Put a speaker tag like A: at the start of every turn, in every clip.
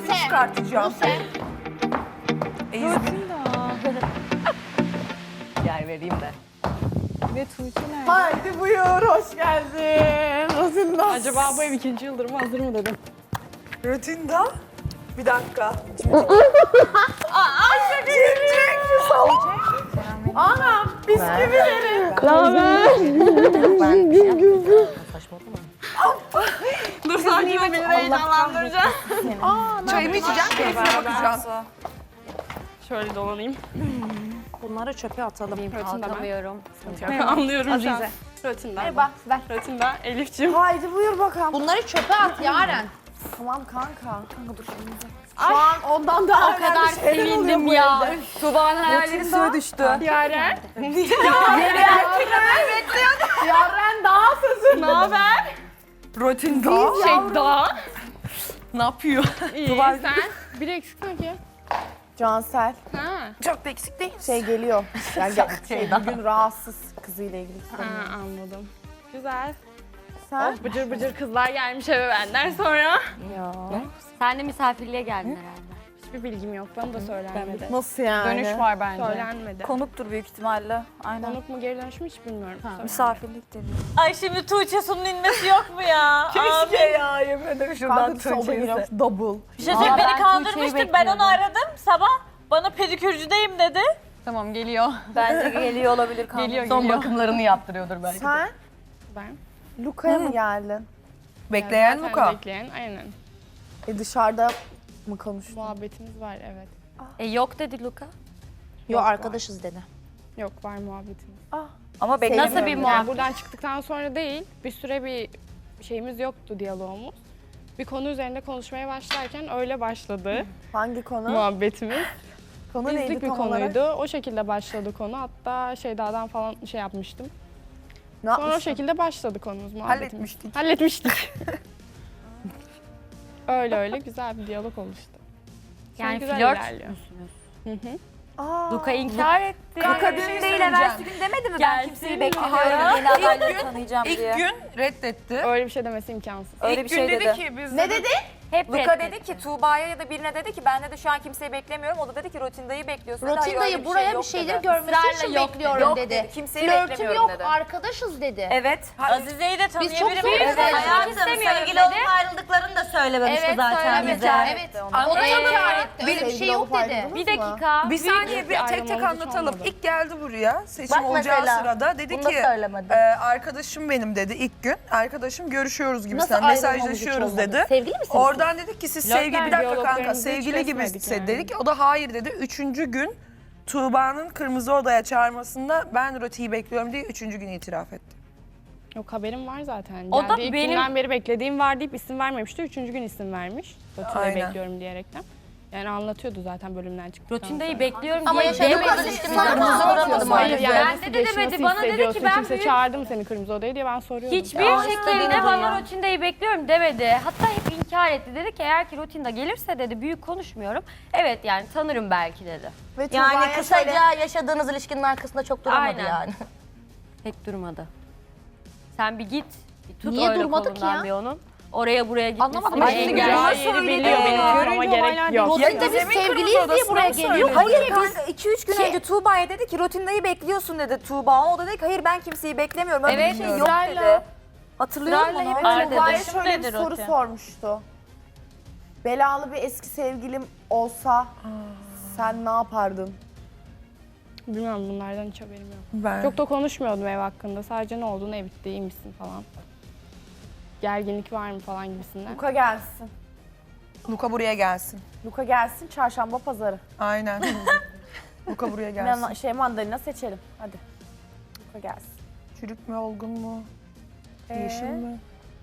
A: Buse.
B: çıkartacağım.
A: Buse.
C: Yer vereyim de.
D: Ve Tuğçe nerede?
B: Haydi buyur, hoş geldin. Rotinda.
D: Acaba bu ev 2. yıldır mı hazır mı dedim.
B: Rotinda. Bir dakika. Anam, bisküvileri.
C: Saçmalama.
D: Dur sakin ol beni heyecanlandıracağım.
B: Çayımı içeceğim, keyfine bakacağım.
D: Şöyle dolanayım.
A: Bunları çöpe atalım.
C: Atamıyorum.
D: Anlıyorum şu an.
A: Azize.
D: Rötinden.
A: Merhaba, ver.
D: Rötinden. Elif'ciğim.
B: Haydi buyur bakalım.
A: Bunları çöpe at Yaren.
B: Tamam kanka.
A: Şu an ondan daha
C: O kadar sevindim ya. Tuğba'nın hayalleri suya düştü.
D: Yaren.
B: Yaren daha sözü.
D: Ne haber?
B: Rotinda.
D: Şeyda.
B: Ne yapıyor?
D: İyi sen. Bir eksik mi ki?
B: Cansel.
D: Ha.
B: Çok da eksik değil. Şey geliyor. Yani bugün rahatsız kızıyla ilgili.
D: Ha anladım. Güzel.
B: Sen?
D: Bıcır bıcır kızlar gelmiş eve benden sonra.
C: Sen de misafirliğe geldin herhalde.
D: Hiçbir bilgim yok. Bana da söylenmedi.
B: Nasıl yani?
E: Dönüş var bence.
D: Söylenmedi.
E: Konuktur büyük ihtimalle. Aynen.
D: Konuk mu geri dönüş mü hiç bilmiyorum. Söylenmedi.
E: Misafirlik deniyor. Ay şimdi Tuğçe Su'nun inmesi yok mu ya?
B: Keşke ya, yemin ederim şuradan Tuğçe'yi. Double.
E: Bir şey söyleyeyim,
C: ben
E: beni kandırmıştır.
C: Tuğçe'yi
E: Ben onu
C: bekliyordum.
E: aradım sabah. Bana pedikürcüdeyim dedi.
D: Tamam geliyor.
E: Bence geliyor olabilir kanka.
D: Geliyor
C: Son
D: geliyor.
C: bakımlarını yaptırıyordur belki.
B: Sen
D: Ben.
B: Luka'ya mı geldin?
D: Bekleyen Luka. Bekleyen aynen.
B: Dışarıda mı konuştun?
D: Muhabbetimiz var evet.
C: Yok dedi Luka.
A: Yok arkadaşız dedi.
D: Yok var muhabbetimiz.
E: Ama
B: Sevmiyorum.
E: bekle.
C: Nasıl bir
D: Yani
C: muhabbet?
D: buradan çıktıktan sonra değil, bir süre bir şeyimiz yoktu, diyalogumuz. Bir konu üzerinde konuşmaya başlarken öyle başladı
B: Hangi konu?
D: muhabbetimiz.
B: Konu neydi
D: Bizlik bir
B: tam
D: konuydu.
B: olarak?
D: O şekilde başladı konu. Hatta Şeyda'dan falan şey yapmıştım.
B: Ne
D: Sonra o
B: yapmışsın?
D: şekilde başladı konumuz, muhabbetimiz.
B: Halletmiştik.
D: Halletmiştik. öyle öyle güzel bir diyalog oluştu. Şu an
C: Yani
D: güzel
C: flört
D: ilerliyor.
C: müsünüz?
D: Hı hı.
B: Aa,
C: Luka inkar etti.
E: Luka dün değil evvelsi gün demedi mi? Ben kimseyi beklemiyorum. Yeni adayları tanıyacağım diye.
B: İlk gün reddetti.
D: Öyle bir şey demesi imkansız.
E: Öyle bir şey dedi.
B: Ne dedi?
C: Hep
E: Luka
C: reddetti.
E: dedi ki Tuğba'ya ya da birine dedi ki ben de şu an kimseyi beklemiyorum. O da dedi ki Rotinda'yı bekliyorsun. Hayır, öyle
A: Rotinda'yı buraya
E: yok
A: bir şeyler
E: dedi.
A: görmesi için
C: Israrla yok
A: bekliyorum
E: Yok
A: dedi.
E: dedi. Kimseyi
A: Flörtüm
E: beklemiyorum
A: yok,
E: dedi.
A: arkadaşız dedi.
E: Evet. Azize'yi de
A: Biz çok
E: tanıyabilir miyim?
A: zor
E: Evet.
C: Hayatım sevgili olup ayrıldıklarını da söylememişti zaten
A: söylemedi.
C: bize.
A: Evet. O da inkar etti. Öyle bir şey yok dedi.
C: Bir dakika.
F: Bir saniye
D: bir
F: bir tek
D: ayrılmamız
F: tek
D: hiç
F: anlatalım.
D: olmadı.
F: İlk geldi buraya seçim
C: Bak
F: olacağı
C: mesela,
F: sırada dedi
C: bunu da
F: ki
C: söylemedi.
F: arkadaşım benim dedi ilk gün. Arkadaşım görüşüyoruz
A: Nasıl
F: gibisinden
A: ayrılmamız
F: mesajlaşıyoruz
A: hiç
F: dedi.
A: olmadı? Sevgili misiniz?
F: Oradan dedik ki siz sevgili bir dakika kanka
D: diyaloglarımızı hiç
F: sevgili gibi
D: kesmedik yani.
F: dedik. O da hayır dedi. Üçüncü gün Tuğba'nın Kırmızı Oda'ya çağırmasında ben Roti'yi bekliyorum diye üçüncü gün itiraf etti.
D: Yok haberim var zaten.
C: O da
D: Geldiği ilk
C: benim-
D: günden beri beklediğim var deyip isim vermemişti. Üçüncü gün isim vermiş. Rotinda'yı
F: Aynen.
D: bekliyorum diyerekten. Yani anlatıyordu zaten bölümden çıktıktan
C: Rotinda'yı
D: sonra.
C: bekliyorum
A: Ama
C: diye
A: yaşadığımız
C: demedi.
A: ilişkimizde
C: Kırmızı
A: kırmızı
C: uğramadım
D: Hayır
C: artık.
D: yani
C: Ben
D: nasıl
C: de
D: geçti,
C: demedi.
D: nasıl
C: Bana dedi
D: hissediyorsun?
C: ki ben
D: Kimse
C: büyük...
D: çağırdı mı seni Kırmızı Oda'ya diye ben soruyordum.
C: Hiçbir şekilde bana Rotinda'yı bekliyorum demedi. Hatta hep inkar etti. Dedi ki eğer ki Rotinda gelirse dedi büyük konuşmuyorum. Evet yani tanırım belki dedi.
B: Ve
A: Yani
B: Tuğba'ya
A: kısaca
B: şöyle-
A: yaşadığınız ilişkinin arkasında çok duramadı
C: Aynen.
A: yani.
C: Pek durmadı. Sen bir git. Bir tut
A: Niye
C: öyle
A: durmadı ki
C: kolundan
A: ya?
C: bir onun. Oraya buraya gitmesin.
A: Anlamadım.
C: bir
A: Ay,
C: engel.
D: Gideceği yeri biliyor benim sormama gerek yok.
A: Rotinda biz sevgiliyiz diye buraya geliyor.
E: Hayır kanka 2-3 gün önce Tuğba'ya dedi ki Rotinda'yı bekliyorsun dedi Tuğba. O da dedi ki hayır ben kimseyi beklemiyorum. Öyle
C: Evet,
E: bir şey yok
C: ısrarla.
E: dedi. Hatırlıyor musun?
C: Israrla
E: onu?
C: hep
B: Ama
C: öyle
B: Tuğba'ya
C: dedi.
B: şöyle bir
C: Nedir
B: soru
C: Roti?
B: sormuştu. Belalı bir eski sevgilim olsa sen ne yapardın?
D: Bilmiyorum bunlardan hiç haberim yok.
F: Ben.
D: Çok da konuşmuyordum ev hakkında. Sadece ne oldu, ne bitti, iyi misin falan. Gerginlik var mı falan gibisinden.
B: Luka gelsin.
F: Luka buraya gelsin.
B: Luka gelsin çarşamba pazarı.
F: Aynen. Luka buraya gelsin.
B: Mandalina seçelim. Hadi. Luka gelsin.
F: Çürük mü olgun mu? Yeşil mi?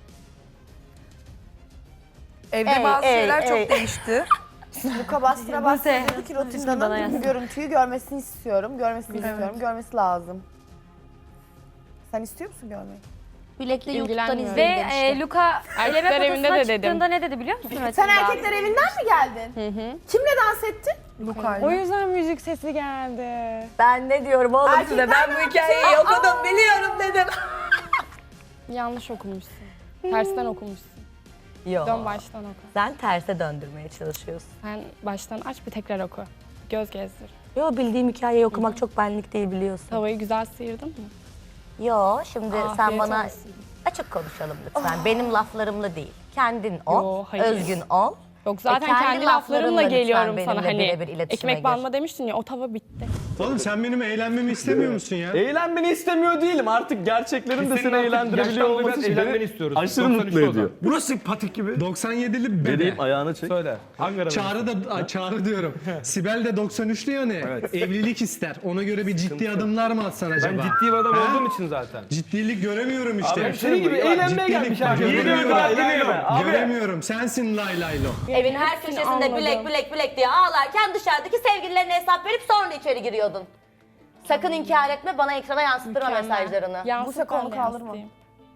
F: Evde bazı şeyler çok değişti.
B: Luka bastıra bastıra dedi ki
C: bana
B: Rotinda'nın
C: yazsın.
B: bu görüntüyü görmesini istiyorum. Görmesini istiyorum. Görmesi lazım. Sen istiyor musun görmeyi?
A: Bilekli YouTube'dan
D: İlgilenmiyorum.
C: Ve
A: izleyin demişti.
C: Luka
D: Erkekler
C: eleme
D: evinde
C: potasına
D: de dedim.
C: çıktığında ne dedi biliyor musun?
B: Sen
C: Rotinde?
B: erkekler evinden mi geldin?
D: Hı hı.
B: Kimle dans ettin?
F: Luka'yla.
D: O yüzden müzik sesi geldi.
E: Ben ne diyorum oğlum size? Ben bu hikayeyi okudum biliyorum dedim.
D: Yanlış okumuşsun. Tersten okumuşsun.
C: Yok.
D: Dön baştan oku.
C: Sen terse döndürmeye çalışıyorsun.
D: Sen baştan aç bir tekrar oku. Göz gezdir.
C: Yo, bildiğim hikayeyi okumak çok benlik değil biliyorsun.
D: Tavayı güzel sıyırdın mı?
C: Yo, şimdi sen
D: Afiyet
C: bana
D: olsun.
C: açık konuşalım lütfen. Benim laflarımla değil. Kendin ol,
D: Yo, hayır.
C: özgün ol.
D: Yok zaten
C: kendi
D: kendi
C: laflarınla
D: laflarımla
C: lütfen
D: geliyorum
C: benimle
D: sana hani
C: birebir iletişime
D: ekmek
C: gir.
D: banma demiştin ya o tava bitti.
G: Oğlum sen benim eğlenmemi istemiyor musun ya?
H: Eğlenmeni istemiyor değilim. Artık gerçeklerin de seni eğlendirebiliyor olması için beni
G: istiyoruz.
H: aşırı mutlu ediyor.
G: Burası patik gibi. 97'li bebe.
H: Vereyim ayağını çek.
G: Söyle. Çağrı diyorum. Sibel de 93'lü ya ne? Evlilik ister. Ona göre bir ciddi adımlar mı atsan acaba?
I: Ben ciddi bir adam olduğum için zaten.
G: Ciddilik göremiyorum işte.
H: Abi senin gibi eğlenmeye gelmiş herkes.
G: Göremiyorum. Sensin lay laylo.
A: Evin her köşesinde
D: anladım.
A: bilek diye ağlarken dışarıdaki sevgililerine hesap verip sonra içeri giriyordun. Sakın inkar etme, bana ekrana yansıttırma mesajlarını.
D: Yansıt
B: Buse konu
D: ben de
B: kalır mı?
D: yansıtayım.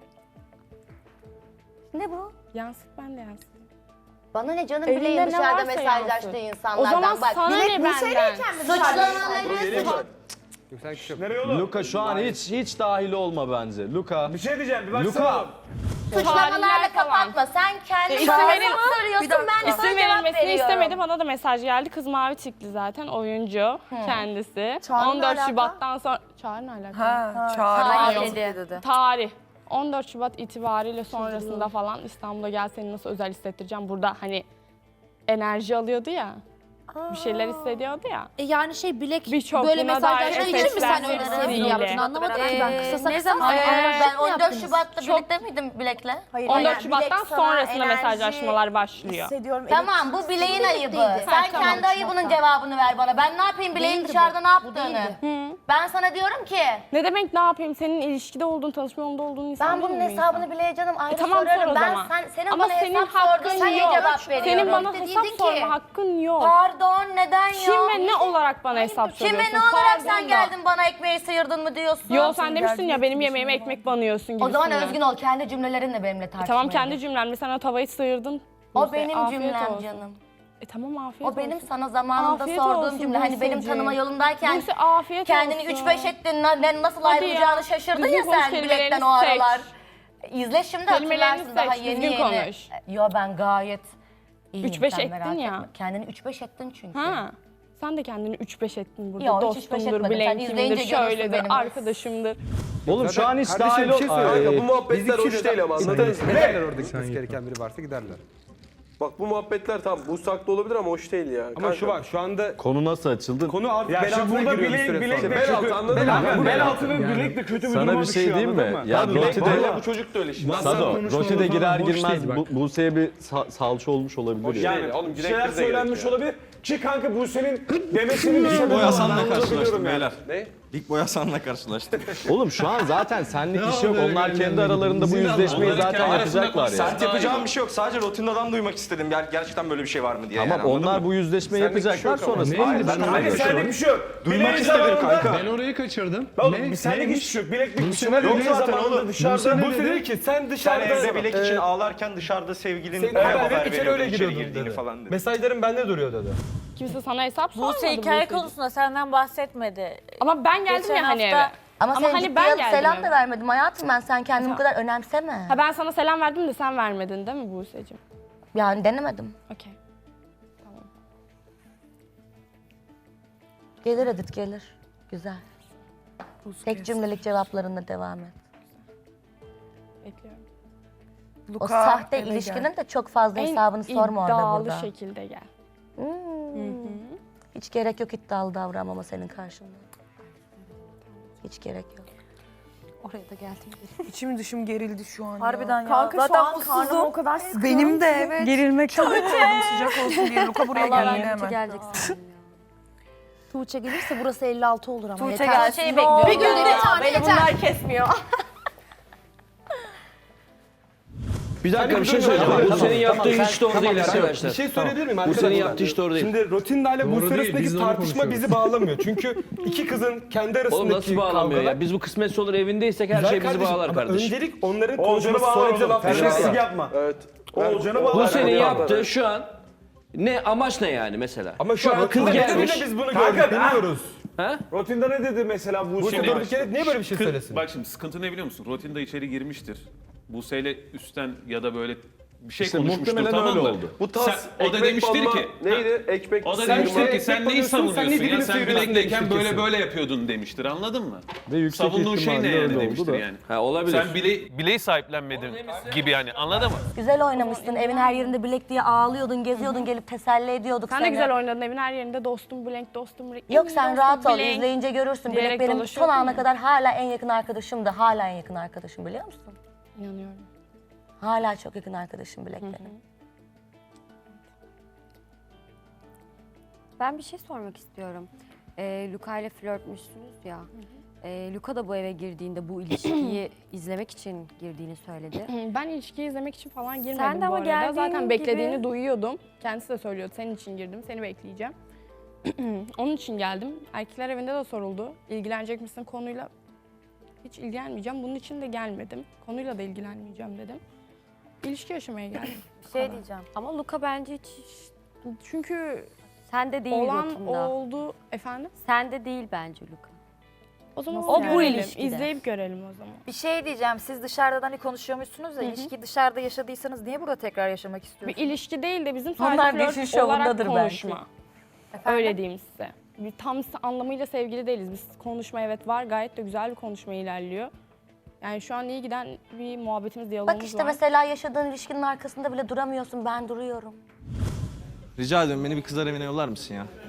A: Ne bu?
D: Yansıt ben de yansıtayım.
A: Bana ne canım,
D: Elinde
A: bileğin
D: ne
A: dışarıda
D: varsa
A: mesajlaştığı
D: yansıt.
A: insanlardan.
D: O zaman
A: Bak,
D: sana ne benden?
A: suçlamaları
I: Nereye oğlum?
H: Luka şu an hiç dahil olma bence. Luka.
I: Bir şey diyeceğim bir baksana.
H: Luka.
A: suçlamalarla
D: Tarihler falan.
A: kapatma. Sen kendin
D: İsim
A: bana
D: verin-
A: hesap soruyorsun, ben sana
D: İsim
A: cevap
D: verilmesini
A: veriyorum.
D: istemedi. Bana da mesaj geldi. Kız mavi tikli zaten oyuncu kendisi.
B: Çağrı ne
D: 14
B: alaka?
D: Şubat'tan sonra... Çağrı ne alaka?
F: Ha, Çağrı.
A: Hayır dedi.
D: Tarih. 14 Şubat itibariyle sonrasında falan İstanbul'a gel seni nasıl özel hissettireceğim. Burada hani enerji alıyordu ya. Bir şeyler hissediyordu ya.
A: Yani bilek
D: Birçok
A: böyle
D: buna
A: mesajlaştığı
D: dair
A: için mi sen
D: efektler
A: öyle
D: sesiyle.
A: yaptın, anlamadım ki ben. Kısa
C: ne
A: kısa
C: zaman?
A: ben 14 Şubat'ta birlikte miydim Bilek'le?
B: Hayır,
D: 14
B: yani
D: Şubat'tan
B: bilek sana
D: sonrasında
B: enerji
D: mesajlaşmalar başlıyor.
B: hissediyorum.
A: Tamam, bu bileğin ayıbı. Sen
D: tamam.
A: kendi ayıbının cevabını ver bana. Ben ne yapayım bileğin dışarıda ne yaptığını? Ben sana diyorum ki
D: Ne demek ne yapayım? Senin ilişkide olduğun, tanışma yolunda olduğun insan
A: ben bunun
D: değil mi bu
A: hesabını
D: insan?
A: bileye canım ayrı
D: Tamam sor
A: sorarım.
D: o
A: Ben
D: zaman.
A: senin
D: Ama
A: bana
D: senin
A: hesap
D: hakkın
A: sordun, sana
D: yok.
A: cevap veriyorum.
D: Senin bana
A: İşte
D: hesap
A: dedin
D: sorma hakkın yok.
A: Pardon, neden
D: Kim
A: yok?
D: ve ne olarak bana hesap
A: Kim
D: soruyorsun?
A: ve ne olarak
D: Pardon
A: sen
D: da.
A: geldin bana ekmeği sıyırdın mı diyorsun?
D: Yo sen demiştin ya benim yemeğime ekmek banıyorsun gibi.
A: O zaman özgün ol, kendi cümlelerinle benimle tartışmaya.
D: Tamam kendi cümlemle sen o tavayı sıyırdın.
A: O
D: Buse,
A: benim
D: afiyet
A: cümlem
D: olsun.
A: canım.
D: Tamam afiyet
A: O benim
D: olsun.
A: sana zamanında
D: Afiyet
A: sorduğum
D: olsun
A: cümle. Hani benim
D: Buse'cim.
A: tanıma yolundayken
D: Buse afiyet
A: kendini
D: olsun.
A: 3-5 ettin, nasıl
D: Hadi
A: ayrılacağını
D: ya.
A: şaşırdın
D: Düzgün
A: ya
D: konuş,
A: sen
D: kelimelerini
A: bilekten o
D: seç.
A: aralar. İzle şimdi
D: Kelimelerini
A: hatırlarsın daha
D: seç,
A: yeni
D: düzgün
A: yeni.
D: konuş.
A: Yo ben gayet iyiyim.
D: 3-5
A: sen
D: ettin
A: merak
D: ya.
A: etme. Kendini 3-5 ettin çünkü.
D: Ha. Sen de kendini 3-5 ettin burada.
A: Yo, hiç 3-5
D: Dostumdur,
A: etmedim. Sen
D: bilenkimdir,
A: izleyince görürsün
D: şöyledir,
A: benim.
D: arkadaşımdır.
H: Oğlum şu an hiç
I: Kardeşim,
H: dahil
I: bir şey söyleyeyim.
H: ol.
I: Bu muhabbetler hoş değil ama anladınız mı?
J: Giderler orada gitmesi gereken biri varsa giderler.
I: Bak bu muhabbetler tamam bu saklı olabilir ama hoş değil ya.
J: Ama şu var şu anda
H: Konu nasıl açıldı?
J: konu artık
I: Ya
J: bel
I: şimdi
J: altına
I: burada
J: giriyor bir süre
I: bilek
J: sonra.
I: de kötü. Anladın mı?
J: Bel altı ve bilek de kötü bir
H: Sana
J: duruma
H: bir şey
J: düşüyor,
H: diyeyim mi?
J: anladın mı?
H: Ya
I: Bilek
H: Roti'de,
I: vallahi bu çocuk da öyle şimdi.
H: Sado,
G: konuşmalar
H: Roti'de
G: falan
H: girer
G: boş
H: girmez
G: değil bak.
H: Buse'ye bir salça olmuş olabilir.
I: Hoş
H: yani.
I: değil. Oğlum
J: Bir şeyler söylenmiş olabilir. Ki kanka bu senin demesinin bir sebebi
K: Boy
J: var.
K: Hasan'la
J: Ben
K: karşılaştım
J: biliyorum yani.
K: beyler.
I: Ne?
K: İlk Boy Hasan'la karşılaştım.
H: Oğlum şu an zaten senlik iş yok.
G: böyle
H: Onlar kendi
G: geldi.
H: aralarında bu
G: Zil
H: yüzleşmeyi
G: aldı.
H: zaten yapacaklar ya.
K: Sert yapacağım bir şey yok. Sadece Rotina'dan duymak istedim. Gerçekten böyle bir şey var mı diye.
H: Tamam
K: yani, anladın
H: onlar
K: mı?
H: bu yüzleşmeyi
I: Senlik bir şey
H: yapacaklar
I: yok ama.
H: sonrasında.
G: Ne?
H: Hayır,
G: Ben
H: ben
G: oraya
J: Kanka senlik bir şey yok.
K: Duymak
J: Bileğin
K: istedim
J: zamanında-
K: kanka.
G: Ben orayı kaçırdım.
J: Oğlum bir senlik hiç yok. Bileklik bir şeyler
K: Yok
J: bileğin
K: zaten
J: zamanında
K: oğlum.
J: dışarıda.
G: ne
J: Bu
G: dedi?
J: dedi ki sen
K: Sen
J: dışarıda.
K: evde bilek için ağlarken dışarıda sevgilin
J: Senin
K: haber
J: haber içeri
K: veriyordu
J: öyle
K: içeri
J: giriyordun
K: girdiğini
J: dedi.
K: falan dedi.
J: Mesajların bende duruyor dedi.
D: Kimse sana hesap sormadı.
E: Buse hikaye
D: Buse'cim.
E: konusunda senden bahsetmedi.
D: Ama ben geldim
E: Geçen
D: ya hani
E: hafta-
D: eve.
A: Ama
D: Ama
A: sen
D: hani
A: ciddiye
D: ben
A: alıp
D: geldim
A: selam
D: eve.
A: da vermedim hayatım, ben sen kendini bu kadar önemseme.
D: Ha ben sana selam verdim de sen vermedin değil mi Buse'cim?
A: Yani denemedim.
D: Okey.
A: Gelir Edith gelir. Güzel. Tek cümlelik cevaplarında devam et.
D: Bekliyorum.
A: O sahte ilişkinin de çok fazla hesabını sorma orada
D: iddialı
A: burada.
D: şekilde gel.
A: Hiç gerek yok iddialı davranmama senin karşında. Hiç gerek yok.
E: Oraya da geldim.
F: İçim dışım gerildi şu an
E: Harbiden ya.
B: Kanka
E: Zaten
B: şu an karnım
E: mutsuzum.
B: o kadar sıkıyor.
F: Benim de evet.
C: Gerilmek çok
F: Canım sıcak olsun diye Luka buraya
E: Allah
F: geldi
E: ben
F: hemen.
E: gelecek sandım ya.
A: Tuğçe gelirse burası 56 olur ama.
E: Tuğçe
A: yeter.
E: gelsin.
A: Tuğçe'yi
E: Ne olur.
A: bekliyorum.
E: Bir günde bir tane yeter.
A: bunlar kesmiyor.
I: Bir dakika bir şey söyleyeceğim. Bu senin yaptığın
J: hiç doğru değil arkadaşlar. Bir şey söyleyebilir miyim arkadaşlar? Bu senin yaptığı hiç doğru değil. Şimdi Rotinda ile
G: Doğru
J: Buse
G: değil,
J: arasındaki
G: biz de onu
J: tartışma
G: konuşuyoruz.
J: bizi bağlamıyor. Çünkü iki kızın kendi arasındaki
I: Oğlum nasıl bağlamıyor ya? Biz bu kısmetse olur evindeysek her
J: Güzel
I: şey bizi
J: kardeşim,
I: bağlar
J: ama
I: kardeşim.
J: öncelik onların
I: Oğulcan'ı
J: konuşması sonra bize
I: bağlamam.
J: laf
I: Terbiyesizlik
J: yapma.
I: Evet.
J: Oğulcan'ı
I: Bu
J: bağlar.
I: senin yaptığı şu an ne amaç ne yani mesela?
J: Ama şu an
I: kız
J: kız
I: gelmiş.
J: biz bunu gördük bilmiyoruz.
I: Ha?
J: Rotinda ne dedi mesela Buse durduk yere niye böyle bir şey söylesin?
L: Bak şimdi sıkıntı ne biliyor musun? Rotinda içeri girmiştir. Buse'yle üstten ya da böyle
J: bir şey
H: İşte
J: konuşmuştur,
H: muhtemelen
J: tamam
H: öyle
J: mı?
H: oldu.
I: Bu tas
J: O da demiştir ki
I: neydi? Ekmek
J: o da
I: sıyırma.
J: demiştir ki sen neyi
H: banıyorsun, sen
J: savunuyorsun
H: ne
J: ya?
H: dilini
J: Sen
H: sıyırıyorsun
J: bilekteyken
H: demiştir
J: böyle
H: kesin.
J: böyle yapıyordun demiştir, anladın mı?
H: Ve yüksek
J: Savunduğun şey ne
H: ihtimalle
J: yani
H: öyle oldu
J: demiştir
H: da.
J: yani.
K: Ha, olabilir.
J: Sen bileği sahiplenmedin gibi yani, anladın mı?
A: Güzel oynamışsın. Evin her yerinde bilek diye ağlıyordun, geziyordun, gelip teselli ediyorduk
D: Sen
A: seni.
D: de güzel oynadın evin her yerinde dostum Blank, dostum Blank.
A: Yok sen rahat ol,
D: Blank.
A: izleyince görürsün. Bilek
D: diyerek
A: benim son
D: dolaşıyordun
A: ana
D: ya.
A: kadar hala en yakın arkadaşımdı. Hala en yakın arkadaşım, biliyor musun?
D: İnanıyorum.
A: Hala çok yakın arkadaşım Bilek benim.
C: Ben bir şey sormak istiyorum. Luka ile flörtmüşsünüz ya. Luka da bu eve girdiğinde bu ilişkiyi izlemek için girdiğini söyledi.
D: Ben ilişkiyi izlemek için falan girmedim
C: Sen de
D: bu
C: ama
D: arada.
C: geldiğin
D: Zaten beklediğini
C: gibi-
D: duyuyordum. Kendisi de söylüyordu. Senin için girdim, seni bekleyeceğim. Onun için geldim. Erkekler evinde de soruldu. İlgilenecek misin konuyla? Hiç ilgilenmeyeceğim. Bunun için de gelmedim. Konuyla da ilgilenmeyeceğim dedim. İlişki yaşamaya geldim.
E: Bir şey diyeceğim.
C: Ama Luka bence hiç
D: Çünkü
C: sende değil
D: olan
C: rotunda.
D: oldu efendim.
C: Sende değil bence Luka.
D: O zaman
C: O bu
D: görelim,
C: ilişkide.
D: İzleyip görelim o zaman.
E: Bir şey diyeceğim. Siz dışarıdan hani konuşuyormuşsunuz da ilişkiyi dışarıda yaşadıysanız niye burada tekrar yaşamak
D: Bir
E: istiyorsunuz?
D: ilişki değil de bizim
A: Onlar
D: sadece
A: Beşin
D: flört olarak
A: şovundadır belki.
D: konuşma. Öyle diyeyim size. Bir tam anlamıyla sevgili değiliz. Biz konuşma evet var. Gayet de güzel bir konuşma ilerliyor. Yani şu an iyi giden bir muhabbetimiz, diyalogumuz
A: Bak işte
D: var.
A: mesela yaşadığın ilişkinin arkasında bile duramıyorsun, ben duruyorum.
K: Rica ediyorum beni bir kızlar evine yollar mısın ya?